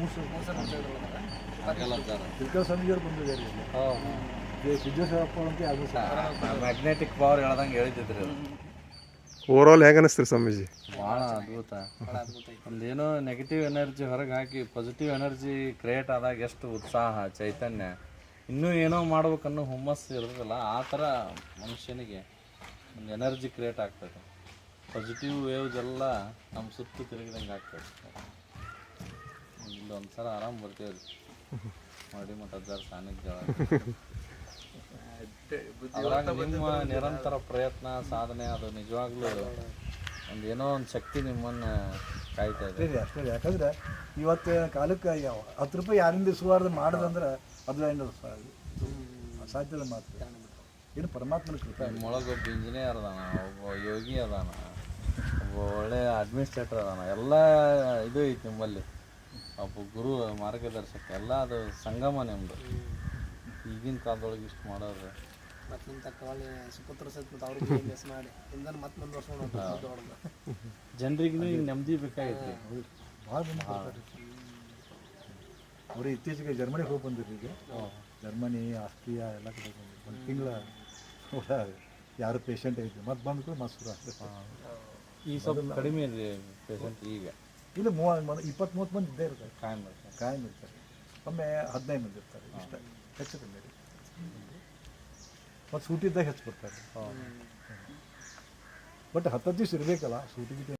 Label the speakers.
Speaker 1: ತಿಳ್ಕಲ್ ಸ್ವಾಮೀಜಿಯವ್ರು ಬಂದಿದ್ದಾರೆ ಸಿದ್ದೇಶ್ವರಪ್ಪ ಅಂತ ಯಾರು
Speaker 2: ಮ್ಯಾಗ್ನೆಟಿಕ್ ಪವರ್ ಹೇಳ್ದಂಗೆ ಹೇಳಿದ್ರಿ.
Speaker 3: ಓವರಾಲ್ ಹೇಗೆ ಅನಿಸ್ತೀರಿ ಸ್ವಾಮೀಜಿ?
Speaker 2: ಭಾಳ ಅದ್ಭುತ. ಒಂದೇನೋ ನೆಗೆಟಿವ್ ಎನರ್ಜಿ ಹೊರಗೆ ಹಾಕಿ ಪಾಸಿಟಿವ್ ಎನರ್ಜಿ ಕ್ರಿಯೇಟ್ ಆದಾಗ ಎಷ್ಟು ಉತ್ಸಾಹ ಚೈತನ್ಯ, ಇನ್ನೂ ಏನೋ ಮಾಡ್ಬೇಕನ್ನೋ ಹುಮ್ಮಸ್ಸು ಇರೋದಿಲ್ಲ, ಆ ಥರ ಮನುಷ್ಯನಿಗೆ ಒಂದು ಎನರ್ಜಿ ಕ್ರಿಯೇಟ್ ಆಗ್ತದೆ. ಪಾಸಿಟಿವ್ ವೇವ್ಸ್ ಎಲ್ಲ ನಮ್ಮ ಸುತ್ತು ತಿರುಗಿದಂಗೆ ಆಗ್ತದೆ. ಇಲ್ಲೊಂದು ಸಲ ಆರಾಮ್ ಬರ್ತೀವಿ ಮಾಡಿ ಮಠದ್ದಾರ ಸಾನ್ನಿಧ್ಯ. ಅದ್ರಾಗ ನಿಮ್ಮ ನಿರಂತರ ಪ್ರಯತ್ನ ಸಾಧನೆ ಅದು ನಿಜವಾಗ್ಲೂ ಒಂದು ಏನೋ ಒಂದು ಶಕ್ತಿ ನಿಮ್ಮನ್ನು ಕಾಯ್ತಾ ಇದೆ.
Speaker 1: ಅಷ್ಟೇ ಯಾಕಂದ್ರೆ ಇವತ್ತು ಕಾಲಕ್ಕೆ 10 ರೂಪಾಯಿ ಯಾರಿಂದ ಇಸುವಾರ್ದು ಮಾಡೋದಂದ್ರೆ ಅದು ಏನು ಸಾಧ್ಯದ ಮಾತು. ಏನು ಪರಮಾತ್ಮನ ಕೃಪೆ.
Speaker 2: ನಿಮ್ಮೊಳಗೆ ಒಬ್ಬ ಇಂಜಿನಿಯರ್ ಅದಾನ, ಒಬ್ಬ ಯೋಗಿ ಅದಾನ, ಒಬ್ಬ ಒಳ್ಳೆ ಅಡ್ಮಿನಿಸ್ಟ್ರೇಟರ್ ಅದಾನ, ಎಲ್ಲ ಇದು ಐತಿ ನಿಮ್ಮಲ್ಲಿ. ಒಬ್ಬ ಗುರು ಮಾರ್ಗದರ್ಶಕ ಎಲ್ಲ ಅದು ಸಂಗಮ ನಿಮ್ಮದು. ಈಗಿನ ಕಾಲದೊಳಗೆ ಇಷ್ಟು ಮಾಡೋದು
Speaker 4: ಮತ್ತು ನಿಮ್ಮ ತಕ್ಕ ಒಳ್ಳೆ ಸುಪುತ್ರ ಸಹಿತ ಮತ್ತು ಅವ್ರಿಗೆ ಮಿಸ್ ಮಾಡಿ ಇಂದನ್ನು ಮತ್ತೆ ಮುಂದುವರ್ಸ್ಕೊಂಡು
Speaker 2: ಜನರಿಗೂ ಈಗ ನೆಮ್ಮದಿ ಬೇಕಾಗೈತಿ.
Speaker 1: ಭಾಳ ಅವರು ಇತ್ತೀಚೆಗೆ ಜರ್ಮನಿಗೆ ಹೋಗಿ ಬಂದಿರಿ. ಈಗ ಜರ್ಮನಿ, ಆಸ್ಟ್ರಿಯಾ ಎಲ್ಲ ಕಡೆ ಬಂದಿರಿ. ಒಂದು ತಿಂಗಳ ಯಾರು ಪೇಷಂಟ್ ಐತಿ ಮತ್ತೆ ಬಂದು ಮಸೂರು
Speaker 2: ಈಗ ಸ್ವಲ್ಪ ಕಡಿಮೆ ಇದೆ ಪೇಷಂಟ್. ಈಗ
Speaker 1: ಇಲ್ಲ 20-30 ಮಂದಿ ಇದ್ದೇ ಇರ್ತಾರೆ, ಕಾಯಂ ಇರ್ತಾರೆ. ಒಮ್ಮೆ 15 ಮಂದಿ ಇರ್ತಾರೆ, ಇಷ್ಟ ಹೆಚ್ಚು ಕಮ್ಮಿ. ಮತ್ತು ಸೂಟಿದ್ದಾಗ ಹೆಚ್ಚು ಬರ್ತಾರೆ. ಬಟ್ 10 ದಿವಸ ಇರಬೇಕಲ್ಲ ಸೂಟಿ.